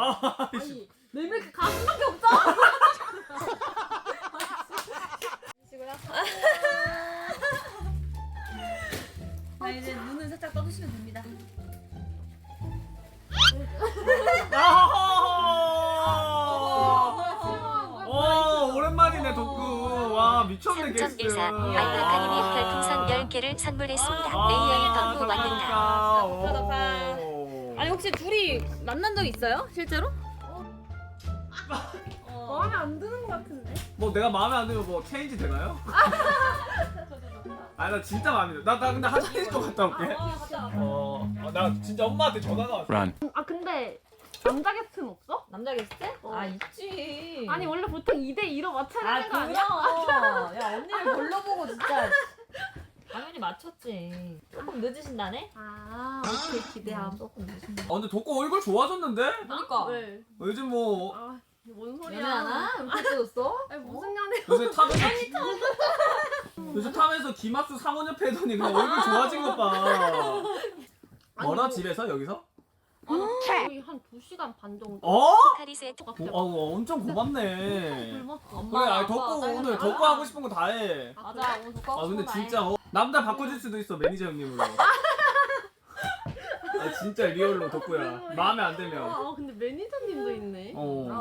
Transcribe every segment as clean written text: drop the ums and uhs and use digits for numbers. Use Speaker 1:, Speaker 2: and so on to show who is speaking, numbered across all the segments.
Speaker 1: 아니 내 이렇게 가슴밖에 없어.
Speaker 2: 시고요. 자 이제 눈을 살짝 떠주시면 됩니다.
Speaker 3: 오랜만이네 덕구. 와 미쳤네 게스트.
Speaker 4: 3.14 알파카님이 별풍선 10개를 선물했습니다. AI 덕후 왔는다.
Speaker 2: 아니 혹시 둘이 만난 적 있어요? 실제로?
Speaker 1: 마음에 안 드는 것 같은데.
Speaker 3: 뭐 내가 마음에 안 들면 뭐 체인지 되나요? 아니 나 진짜 마음에 들어. 나 근데 화장실 좀 갔다 올게. 나 진짜 엄마한테 전화가 왔어.
Speaker 1: 아 근데 남자 게스트는 없어?
Speaker 2: 남자 게스트? 아 있지.
Speaker 1: 아니 원래 보통 2대 2로 맞춰야 되는 거 아니야?
Speaker 2: 그럼. 야 언니를 골라보고 진짜 당연히 맞췄지. 조금 늦으신다네?
Speaker 1: 아 오케이 기대함.
Speaker 2: 조금 늦으신다.
Speaker 3: 근데 덕구 얼굴 좋아졌는데?
Speaker 2: 그러니까.
Speaker 1: 왜?
Speaker 3: 요즘 뭐
Speaker 1: 아뭔 소리야?
Speaker 2: 연애하나? 이렇게 떠졌어?
Speaker 1: 아니 무슨 연애?
Speaker 3: 요새 탑에서 요새 탑에서 기막스 상원 옆에 해더니 그냥 얼굴 좋아진 것 봐. 뭐라
Speaker 1: 뭐-
Speaker 3: 집에서 여기서?
Speaker 1: 거의 한 2시간 반 정도.
Speaker 3: 어?
Speaker 4: 카리스의
Speaker 3: 엄청 고맙네.
Speaker 1: 굶었어.
Speaker 3: 그래, 아니 덕구 오늘 덕구 하고 싶은 거 다 해.
Speaker 2: 맞아 오늘 덕후
Speaker 3: 근데 진짜 남자 바꿔줄 수도 있어 매니저 형님으로. 진짜 리얼로 덕구야. 마음에 안 들면.
Speaker 1: 아 근데 매니저님도 있네.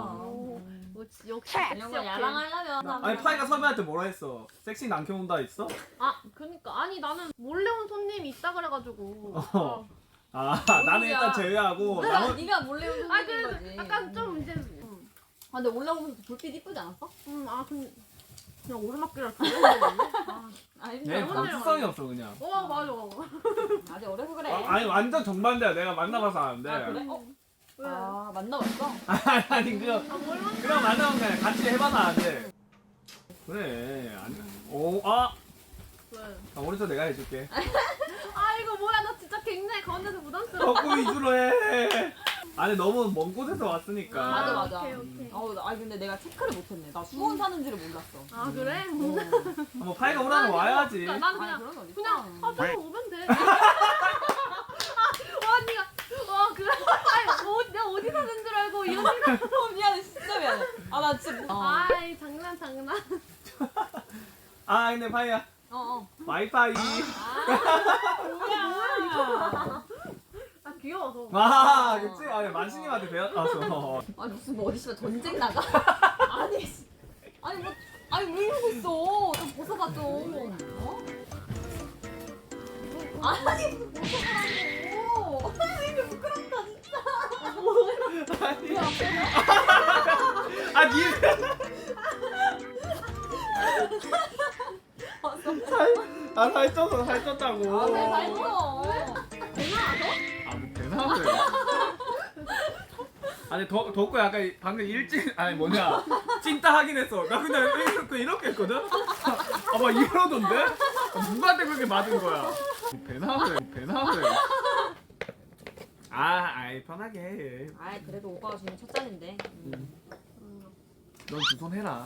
Speaker 1: 역시
Speaker 2: 이런 거 야랑하려면
Speaker 3: 아니 파이가 섭외한테 뭐라 했어? 섹시 남캐 온다 했어?
Speaker 1: 아 그니까 아니 나는 몰래 온 손님이 있다 그래가지고.
Speaker 3: 나는 일단 제외하고
Speaker 2: 네가 몰래 오는
Speaker 1: 아
Speaker 2: 거지.
Speaker 1: 그래도 약간 좀 이제.
Speaker 2: 아 근데 올라오면서 불빛 이쁘지 않았어?
Speaker 1: 아 그냥 오르막길을 달려오는데.
Speaker 2: 아니
Speaker 3: 얘 감수성이 없어 그냥.
Speaker 1: 맞아.
Speaker 2: 아직 어려서 그래.
Speaker 3: 아니 완전 정반대야. 내가 만나봐서 아는데.
Speaker 2: 아 그래?
Speaker 1: 왜?
Speaker 2: 아 만나봤어?
Speaker 3: 아니 그냥 만나면 그냥 같이 해봐서 아는데. 그래.
Speaker 1: 왜?
Speaker 3: 오른쪽 내가 해줄게.
Speaker 1: 아 이거 뭐야 나 진짜 굉장히 가운데서 부담스러워.
Speaker 3: 덕구 위주로 해. 아니 너무 먼 곳에서 왔으니까.
Speaker 2: 맞아.
Speaker 1: 오케이.
Speaker 2: 아니 근데 내가 체크를 못했네. 나 수원 사는지를 몰랐어.
Speaker 1: 아 그래?
Speaker 3: 뭐 파이가 오라면 와야지.
Speaker 1: 난
Speaker 2: 아니
Speaker 1: 그냥
Speaker 2: 그런 거 어딨어?
Speaker 1: 그냥 저거 오면 돼. 언니가 그래? 아니 내가 어디 사는 줄 알고 이런 생각.
Speaker 2: 미안해 진짜 미안해. 아 나 진짜
Speaker 1: 아이 장난.
Speaker 3: 근데 파이야. 와이파이.
Speaker 1: 아 귀여워서.
Speaker 3: 그치? 아니 만신님한테 배웠어.
Speaker 2: 아니 무슨 뭐 어디 씨발 전쟁 나가? 아니 뭐 아니 왜 이러고 있어? 좀 벗어봐 좀. 아니 무슨 벗어보라고? 아니 이게 부끄럽다 진짜.
Speaker 3: 살쪘다고.
Speaker 2: 살쪄.
Speaker 3: 대단하네. 아니 덕구 약간 방금 찐따 하긴 했어. 나 그냥 이렇게 했거든. 막 이러던데? 누구한테 그렇게 맞은 거야? 대단하네. 아이 편하게 해.
Speaker 2: 아이 그래도 오빠가 주는 첫 잔인데.
Speaker 3: 넌 두 손 해라.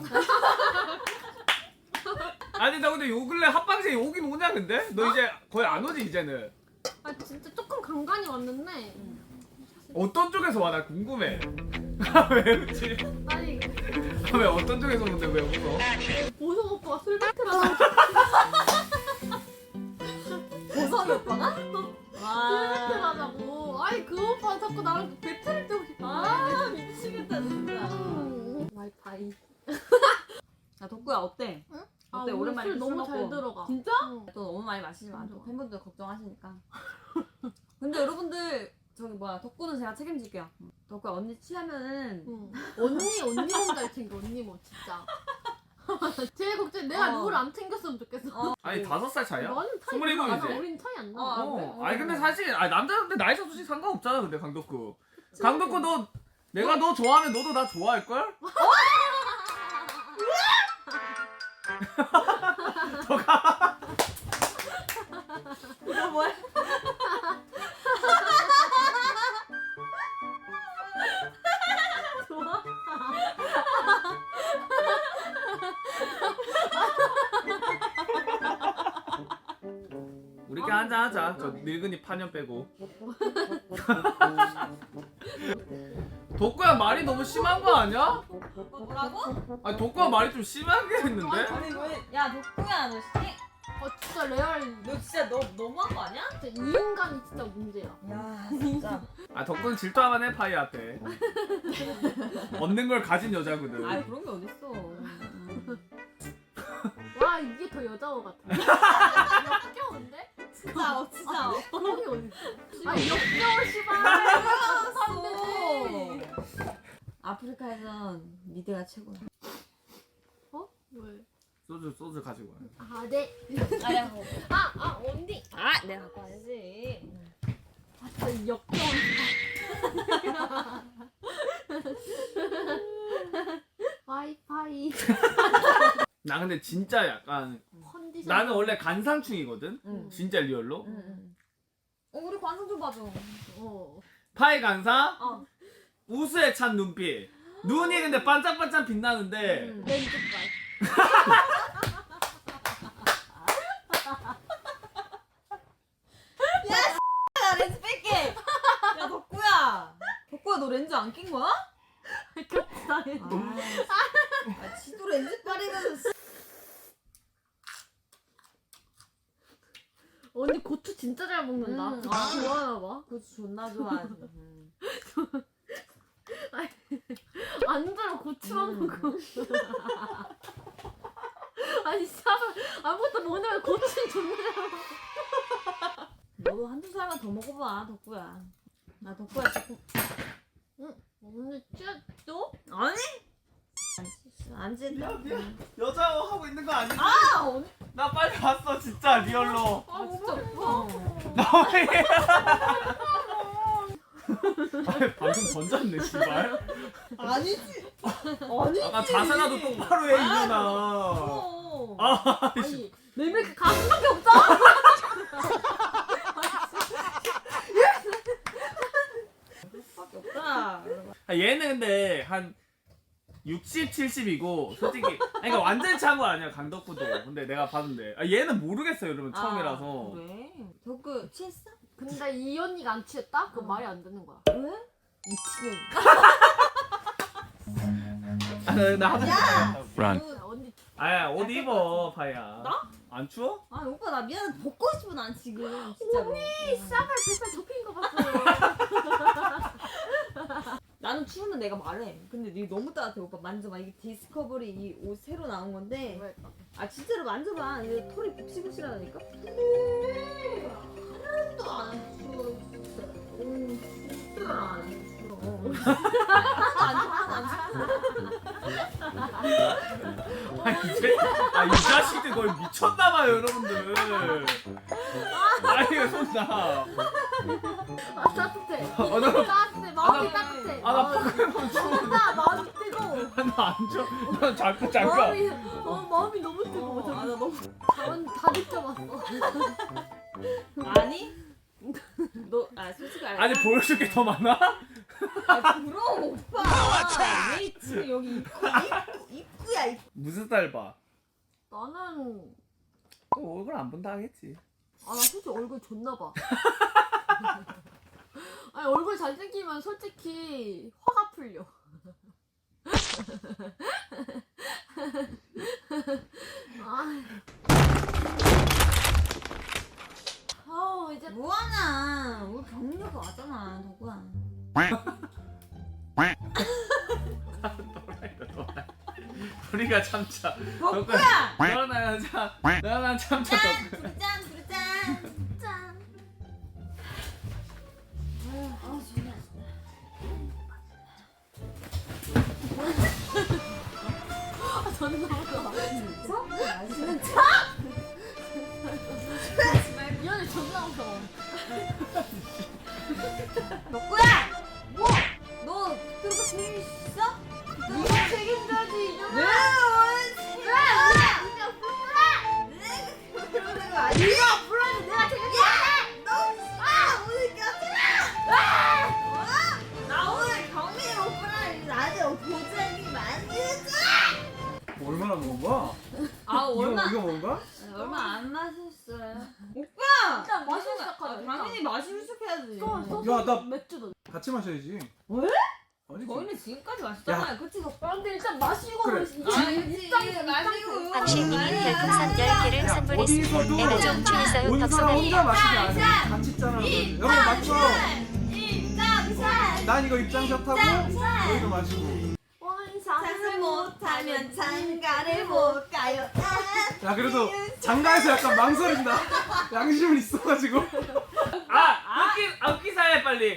Speaker 3: 아니 나 근데 요 근래 합방새 오긴 오냐 근데? 너 이제 거의 안 오지 이제는.
Speaker 1: 아 진짜 조금 간간히 왔는데.
Speaker 3: 어떤 쪽에서 와? 나 궁금해. 왜 웃지?
Speaker 1: 아니
Speaker 3: 왜 어떤 쪽에서 오는데 왜 웃어?
Speaker 1: 보석 오빠가 술 배틀하고
Speaker 2: 보석이 오빠가?
Speaker 1: 술
Speaker 2: 와.
Speaker 1: 배틀하자고. 아니 그 오빠 자꾸 나랑 배틀을 뛰고 싶어.
Speaker 2: 아 미치겠다 진짜.
Speaker 1: 와이파이.
Speaker 2: 야 덕구야 어때?
Speaker 1: 응?
Speaker 2: 어때?
Speaker 1: 오늘
Speaker 2: 오랜만에
Speaker 1: 술 너무
Speaker 2: 먹고.
Speaker 1: 잘 들어가.
Speaker 2: 진짜?
Speaker 1: 응.
Speaker 2: 또 너무 많이 마시지 마. 또 팬분들 걱정하시니까. 근데 여러분들 저기 뭐야 덕구는 제가 책임질게요. 덕구야 언니 취하면은
Speaker 1: 응. 언니 몸 잘 챙겨. 언니 몸 진짜. 제일 걱정 내가 누구를 안 챙겼으면 좋겠어.
Speaker 3: 아니 5살 차이야?
Speaker 1: 나는 차이
Speaker 3: 27이지?
Speaker 1: 나. 우린 차이 안 나.
Speaker 3: 아니 근데 사실 남자한테 나이 차이 솔직히 상관없잖아 근데 강덕구. 강덕구 너 내가 너 좋아하면 너도 나 좋아할걸?
Speaker 2: 이거 뭐야?
Speaker 1: 좋아.
Speaker 3: 우리끼리 한잔 하자. 저 늙은이 파년 빼고. 덕구야 말이 너무 심한 거 아니야?
Speaker 2: 뭐라고?
Speaker 3: 아니 덕구야 말이 좀 심하게 했는데?
Speaker 2: 아니 왜? 야 덕구야 너
Speaker 1: 진짜 레알.
Speaker 2: 너 진짜 너 너무한 거 아니야?
Speaker 1: 진짜 이 인간이 진짜 문제야.
Speaker 2: 야 진짜.
Speaker 3: 아 덕구는 질투하면 해 파이한테. 얻는 걸 가진 여자거든.
Speaker 2: 아 그런 게 어딨어.
Speaker 1: 와 이게 더 여자어 같아. 역겨운데?
Speaker 2: 진짜 진짜.
Speaker 1: 그런 게 어딨어? 아 역겨워 씨발.
Speaker 2: 알았어. 아프리카에선 미드가 최고야.
Speaker 1: 어? 왜?
Speaker 3: 소주 가지고 와요.
Speaker 1: 아 네.
Speaker 2: 아야 뭐.
Speaker 1: 언니.
Speaker 2: 아 내가 갖고 와야지.
Speaker 1: 아 진짜 역겨운. 와이파이.
Speaker 3: 나 근데 진짜 약간
Speaker 1: 컨디션.
Speaker 3: 나는 원래 간상충이거든.
Speaker 2: 응.
Speaker 3: 진짜 리얼로.
Speaker 2: 응. 우리 관상 좀 봐줘.
Speaker 3: 파이 간상.
Speaker 2: 어.
Speaker 3: 우수에 찬 눈빛. 눈이 근데 반짝반짝 빛나는데
Speaker 1: 렌즈빨.
Speaker 2: 야 렌즈 뺄게. 야 덕구야. 덕구야 너 렌즈 안 낀 거야?
Speaker 1: 겹치다해.
Speaker 2: 아 지도 렌즈 빨이면서.
Speaker 1: 언니 고추 진짜 잘 먹는다.
Speaker 2: 아.
Speaker 1: 좋아하나 봐.
Speaker 2: 그거 존나 좋아하지.
Speaker 1: 안 들어 고추만 먹어. 아니 샤브 아무것도 먹는 고추는 존나 잘 먹어.
Speaker 2: 너도 한두 살만 더 먹어봐 덕구야. 나 덕구야 자꾸.
Speaker 1: 오늘 쥐었어?
Speaker 2: 아니? 안 찢다.
Speaker 3: 여자 하고 있는 거 아니지?
Speaker 2: 아 언니.
Speaker 3: 나 빨리 왔어 진짜 리얼로.
Speaker 1: 아 진짜
Speaker 3: 아니, 방금 던졌네 씨발.
Speaker 2: 아니지. 아니지.
Speaker 3: 아까 자세라도 똑바로 해 이년아.
Speaker 2: 어.
Speaker 1: 아니 내 밀크 가슴밖에 없다.
Speaker 2: 밖에 없다.
Speaker 3: 얘는 근데 한 60, 70이고 솔직히 그러니까 완전히 차은 거 아니야 강덕구도. 근데 내가 봤는데 얘는 모르겠어요 여러분 처음이라서.
Speaker 2: 그래? 덕구 취했어?
Speaker 1: 근데 이 언니가 안 취했다? 그럼 말이 안 되는 거야.
Speaker 2: 왜? 미친년.
Speaker 3: 나 하자.
Speaker 1: 언니
Speaker 3: 아야 옷 입어 파이야.
Speaker 2: 나?
Speaker 3: 안 추워?
Speaker 2: 아 오빠 나 미안해 벗고 싶어 난 지금 진짜로.
Speaker 1: 언니 쌍발 뱃살 접힌 거 봤어요.
Speaker 2: 나는 추우면 내가 말해. 근데 니 너무 따뜻해 오빠 만져봐. 이게 디스커버리 이 옷 새로 나온 건데. 아 진짜로 만져봐. 이게 털이 푹신푹신하다니까. 하나도 안 추워 진짜. 진짜 안 추워. 하나도 안 추워.
Speaker 3: 이 자식들 거의 미쳤나봐요 여러분들. 아이가 손나.
Speaker 1: 아 따뜻해.
Speaker 3: 너-
Speaker 1: 따뜻해. 마음이
Speaker 3: 아,
Speaker 1: 따뜻해.
Speaker 3: 나 포켓몬 추워.
Speaker 1: 나 마음이 뜨거워.
Speaker 3: 나안 줘. 너 잠깐.
Speaker 1: 마음이 너무 뜨거워.
Speaker 2: 아, 나 너무.
Speaker 1: 다 느껴봤어.
Speaker 2: 아니? 너 솔직히 알아.
Speaker 3: 아니 보여줄 게 더 많아?
Speaker 2: 아 부러워 오빠. 왜 지금 여기 입구야 입구.
Speaker 3: 무슨 살 봐?
Speaker 1: 나는
Speaker 3: 얼굴 안 본다 하겠지.
Speaker 1: 나 솔직히 얼굴 좋나 봐. 아니 얼굴 잘생기면 솔직히 화가 풀려. 이제
Speaker 2: 뭐하나? 우리 경력 왔잖아 덕구야.
Speaker 3: 우리가 참자.
Speaker 2: 덕구야.
Speaker 3: 너나 참. 너나 참자. 덕구.
Speaker 2: 짠 두르짠 짠. 아 존나.
Speaker 1: 존나 웃겨.
Speaker 2: 맛있는
Speaker 1: 이 언니 존나 웃겨.
Speaker 2: 덕구야. 뭐? 너 그거 재밌어?
Speaker 1: 네가 책임져야지 이 년아.
Speaker 2: 그러는 거 아니야?
Speaker 1: 네가 불러야지 내가 책임져야
Speaker 2: 나 오늘 경민 오빠랑 나한테 보자기 만들어줘.
Speaker 3: 얼마나 먹은 거야?
Speaker 2: 아
Speaker 3: 이거 먹은 거야?
Speaker 2: 얼마 안 마셨어요. 오빠.
Speaker 1: 일단 마시기 시작하자.
Speaker 2: 당연히 마시기 시작해야지.
Speaker 1: 또
Speaker 3: 야, 나-
Speaker 1: 맥주도.
Speaker 3: 같이 마셔야지.
Speaker 2: 왜?
Speaker 3: 아니지.
Speaker 2: 저희는 지금까지 마셨잖아요. 그치?
Speaker 1: 근데 일단 마시고
Speaker 3: 그래.
Speaker 2: 마시고
Speaker 4: 당신님이 별풍선 10개를 선물했습니다.
Speaker 3: 어디서도
Speaker 4: 내가 좀 취했어요.
Speaker 3: 온 사람 혼자 마시지 않아. 같이 있잖아. 여러분 맞죠? 난 이거 입장샷 하고 너희도 마시고.
Speaker 2: 장을 못하면 장가를 못 가요.
Speaker 3: 야 그래도 장가에서 약간 망설인다. 양심은 있어가지고.
Speaker 5: 흑기사해 빨리.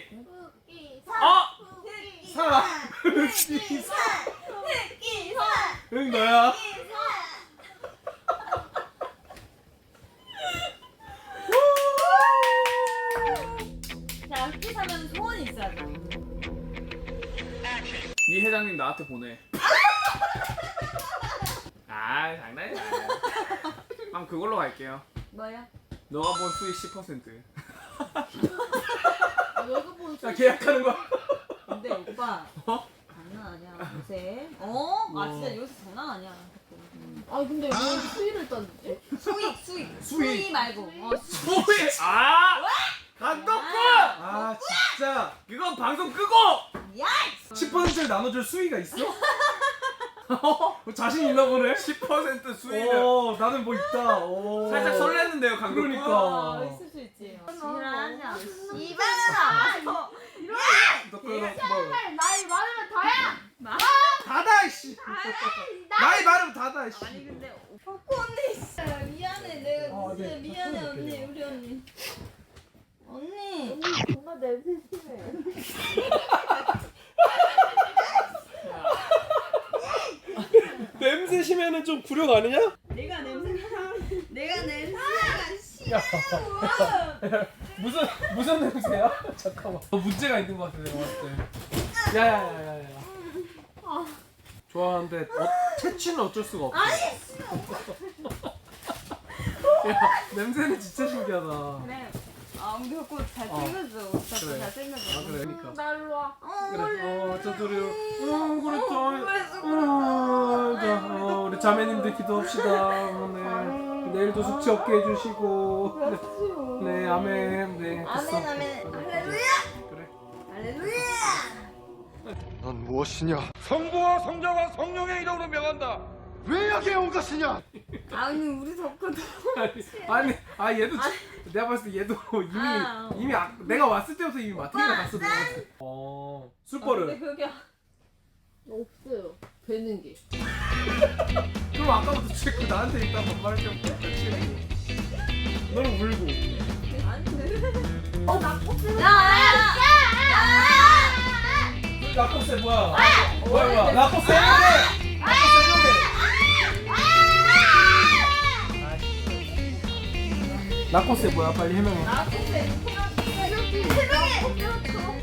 Speaker 3: 사. 응 너야.
Speaker 2: 자, 흑기 사면 소원이 있어야 돼.
Speaker 3: 이 회장님 나한테 보내.
Speaker 5: 아 장난이야.
Speaker 3: 그럼 그걸로 갈게요.
Speaker 2: 뭐야?
Speaker 3: 너가 본 수익 10%.
Speaker 1: 여기 보는
Speaker 3: 자 계약하는 거야.
Speaker 2: 근데 오빠 장난 아니야 요새. 아 진짜 요새 장난 아니야.
Speaker 1: 근데 왜 수위를 땄지?
Speaker 2: 수익 말고.
Speaker 5: 수익. 감독분.
Speaker 3: 아 진짜.
Speaker 5: 이건 방송 끄고.
Speaker 3: 10%를 나눠줄 수위가 있어? 자신 있나 보네.
Speaker 5: 10% 수익은
Speaker 3: 나는 뭐 있다. 오.
Speaker 5: 살짝 설레는데요 감독분.
Speaker 3: 그러니까.
Speaker 2: 있을 수 있지. 지랄하지 않아.
Speaker 3: 너 그거 뭐
Speaker 1: 나이 많으면 다야!
Speaker 3: 닫아 이씨. 나이 많으면 닫아 이씨.
Speaker 2: 아니 근데 언니 미안해 내가 진짜 미안해 언니 우리 언니
Speaker 1: 정말 냄새 심해.
Speaker 3: 냄새 심해는 좀 구력 아니냐?
Speaker 2: 내가 냄새가
Speaker 3: 야. 무슨 냄새야? 잠깐만. 문제가 있는 것 같아 내가 봤을 때. 야야야야야. 좋아하는데 채취는 어쩔 수가 없어. 야 냄새는 진짜 신기하다.
Speaker 2: 그래. 우리 덕구 잘
Speaker 3: 어.
Speaker 2: 챙겨줘. 덕구
Speaker 3: 그래.
Speaker 2: 잘 챙겨줘.
Speaker 3: 아 그래 그러니까.
Speaker 1: 날로 와.
Speaker 3: 그래. 저들이 그렇죠. 자 우리 자매님들 기도합시다. 네. 내일도 숙취 없게 해주시고. 네 아멘. 네. 됐어.
Speaker 2: 아멘 할렐루야.
Speaker 3: 그래.
Speaker 2: 할렐루야.
Speaker 6: 넌 무엇이냐?
Speaker 7: 성부와 성자와 성령의 이름으로 명한다.
Speaker 6: 왜 여기에 온 것이냐?
Speaker 2: 아니 우리 덕구도
Speaker 3: 아니 얘도 내가 봤을 때 얘도 이미 내가 왔을 때부터 이미 마트에 갔었던 것 같아. 술버릇.
Speaker 2: 근데 그게
Speaker 1: 없어요. 되는 게.
Speaker 3: 그럼 아까부터 체크 나한테 일단 반말할 때부터 치고 너는 울고. 라코스 뭐야? 뭐야? 라코스 해명해. 라코스 해명해. 라코스 뭐야? 빨리 해명해.
Speaker 1: 새벽에